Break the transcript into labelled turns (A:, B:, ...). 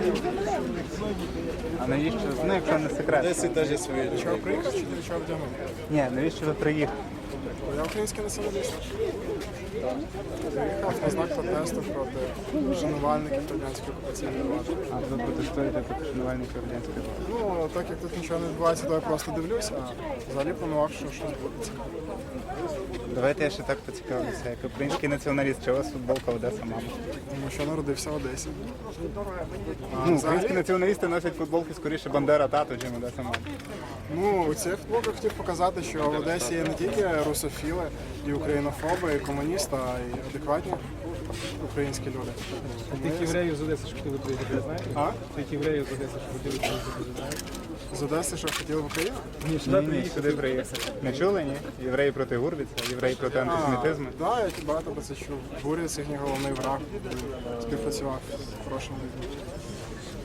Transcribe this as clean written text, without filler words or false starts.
A: А навіщо? Ну, якщо не секрет.
B: Одесі теж є свої люди.
C: Чого приїхав чи для чого вдягнув?
A: Ні, навіщо ви приїхали?
C: Я український націоналіст. Приїхав на знак протесту проти шанувальників радянської окупаційної влади.
A: А ви протестуєте проти шанувальників радянської влади?
C: Ну, так як тут нічого не відбувається, то я просто дивлюся, а взагалі планував, що щось буде цікаве.
A: Давайте я ще так поцікавлюся. Як український націоналіст, чи у вас футболка Одеса, мама?
C: Тому що народився в Одесі.
A: Ну, українські націоналісти носять футболки скоріше Бандера тато, чим Одеса, мама.
C: Ну, у цих футболках хотів показати, що в Одесі є не тільки русофіли і українофоби, і комуністи, а й адекватні українські люди.
D: Тих євреїв з Одеси, що хотіли приїхати, знаєте?
C: А?
D: Тих євреїв з Одеси, що хотіли приїхати, знаєте?
C: З Одеси, що хотіли в Україну?
D: Ні, сюди
A: Ні,
D: приїхали.
A: сюди приїхали. Не чули, ні? Євреї проти Гурвіца, євреї проти антисемітизму.
C: Так, я багато про це чув. Буря, їхній головний враг, співпрацював з хорошими людьми.